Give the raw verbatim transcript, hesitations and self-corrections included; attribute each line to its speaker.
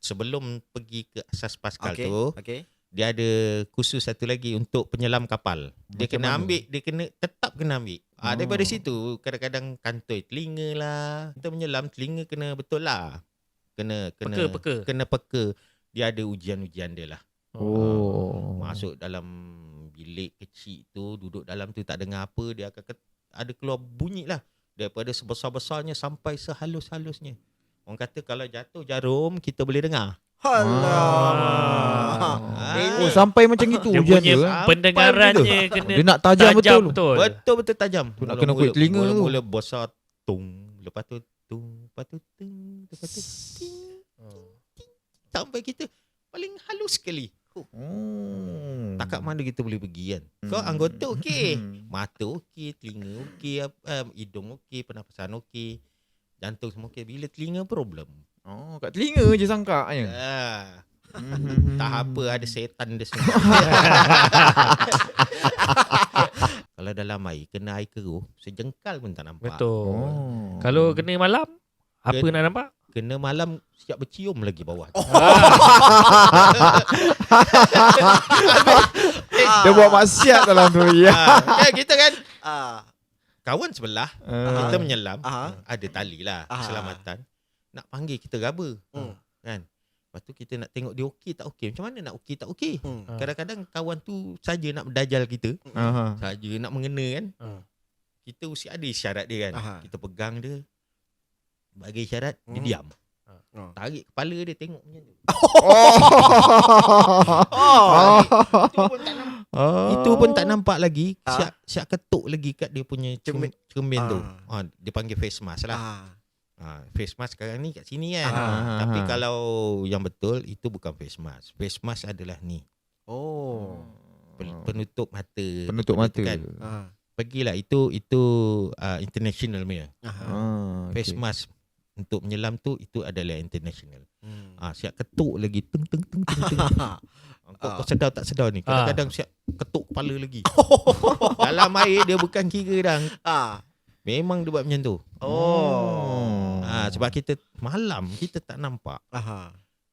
Speaker 1: sebelum pergi ke asas Pascal
Speaker 2: Okey,
Speaker 1: tu,
Speaker 2: okey.
Speaker 1: dia ada kursus satu lagi untuk penyelam kapal. Dia
Speaker 3: Macam
Speaker 1: kena
Speaker 3: mana?
Speaker 1: ambil, dia kena tetap kena ambil. Ah, daripada
Speaker 3: Oh.
Speaker 1: situ kadang-kadang kantoi telinga lah. Kita menyelam telinga kena betul lah. Kena kena
Speaker 4: Peka, peka.
Speaker 1: kena peka. Dia ada ujian-ujian dia lah.
Speaker 3: Oh.
Speaker 1: Masuk dalam bilik kecil tu, duduk dalam tu tak dengar apa, dia akan ket- ada keluar bunyi lah. Daripada sebesar-besarnya sampai sehalus-halusnya. Orang kata kalau jatuh jarum, kita boleh dengar.
Speaker 2: Alah.
Speaker 1: Ah.
Speaker 3: Oh, sampai macam itu
Speaker 4: Dia
Speaker 3: ujian
Speaker 4: punya
Speaker 3: dia. eh?
Speaker 4: pendengarannya kena
Speaker 3: Dia nak tajam betul.
Speaker 4: betul.
Speaker 1: Betul-betul tajam.
Speaker 3: Tu nak kena kuit telinga tu.
Speaker 1: Mula-mula besar tung, lepas tu tung, lepas tu tung, lepas tu ting, ting, sampai kita paling halus sekali.
Speaker 3: Oh.
Speaker 1: Takat mana kita boleh pergi kan. Kau
Speaker 3: Hmm.
Speaker 1: anggota okey,
Speaker 3: Hmm.
Speaker 1: mata okey, telinga okey, um, hidung okey, pernafasan okey, jantung semua okey. Bila telinga problem.
Speaker 3: Oh, kat telinga je sangka je.
Speaker 1: Ah,
Speaker 3: Hmm.
Speaker 1: tak apa, ada setan dia semua. Kalau dalam air, kena air keruh, sejengkal pun tak nampak.
Speaker 4: Betul.
Speaker 3: Oh.
Speaker 4: Kalau kena malam, apa
Speaker 1: Kena-
Speaker 4: nak nampak?
Speaker 1: Kena malam siap bercium lagi bawah.
Speaker 3: Oh. Dia buat maksiat dalam tu ya.
Speaker 1: Ah, kan kita kan
Speaker 2: Ah.
Speaker 1: kawan sebelah,
Speaker 3: Ah.
Speaker 1: kita menyelam,
Speaker 2: Aha.
Speaker 1: ada tali lah
Speaker 2: Ah.
Speaker 1: keselamatan. Nak panggil kita raba.
Speaker 2: Hmm.
Speaker 1: Kan? Lepas tu kita nak tengok dia okey tak okey. Macam mana nak okey tak okey?
Speaker 2: Hmm.
Speaker 4: Ah.
Speaker 1: Kadang-kadang kawan tu saja nak berdajal kita,
Speaker 3: Aha.
Speaker 1: saja nak mengena kan.
Speaker 4: Ah.
Speaker 1: Kita mesti ada isyarat dia kan.
Speaker 2: Aha.
Speaker 1: Kita pegang dia, bagi isyarat, dia
Speaker 2: Hmm.
Speaker 1: diam.
Speaker 2: Oh.
Speaker 1: Tarik kepala dia tengok macam tu.
Speaker 2: Oh.
Speaker 1: Itu pun tak nampak. Itu pun tak nampak lagi.
Speaker 2: Ah.
Speaker 1: Siap siap ketuk lagi kat dia punya cermin, cermin tu.
Speaker 2: Ah.
Speaker 1: Ha, dia panggil face mask lah.
Speaker 2: Ah.
Speaker 1: Ha, face mask sekarang ni kat sini kan.
Speaker 3: Ah.
Speaker 1: Tapi
Speaker 3: Ah.
Speaker 1: kalau yang betul itu bukan face mask. Face mask adalah ni.
Speaker 2: Oh.
Speaker 1: Pen- Penutup mata.
Speaker 3: Penutup
Speaker 1: Benda
Speaker 3: mata.
Speaker 1: tu Kan.
Speaker 2: Ah.
Speaker 1: Pergilah itu itu uh, international punya.
Speaker 2: Aha.
Speaker 3: Ah,
Speaker 1: Face
Speaker 3: okay.
Speaker 1: mask untuk menyelam tu itu adalah international.
Speaker 2: Hmm.
Speaker 1: Ah, siap ketuk lagi teng teng teng teng teng. Kau, kau sedar tak sedar ni? Kadang-kadang siap ketuk kepala lagi. Dalam air dia bukan kira dah.
Speaker 2: Ah.
Speaker 1: Memang dia buat macam tu.
Speaker 2: Oh.
Speaker 1: Ah, sebab kita malam kita tak nampak.
Speaker 2: Aha.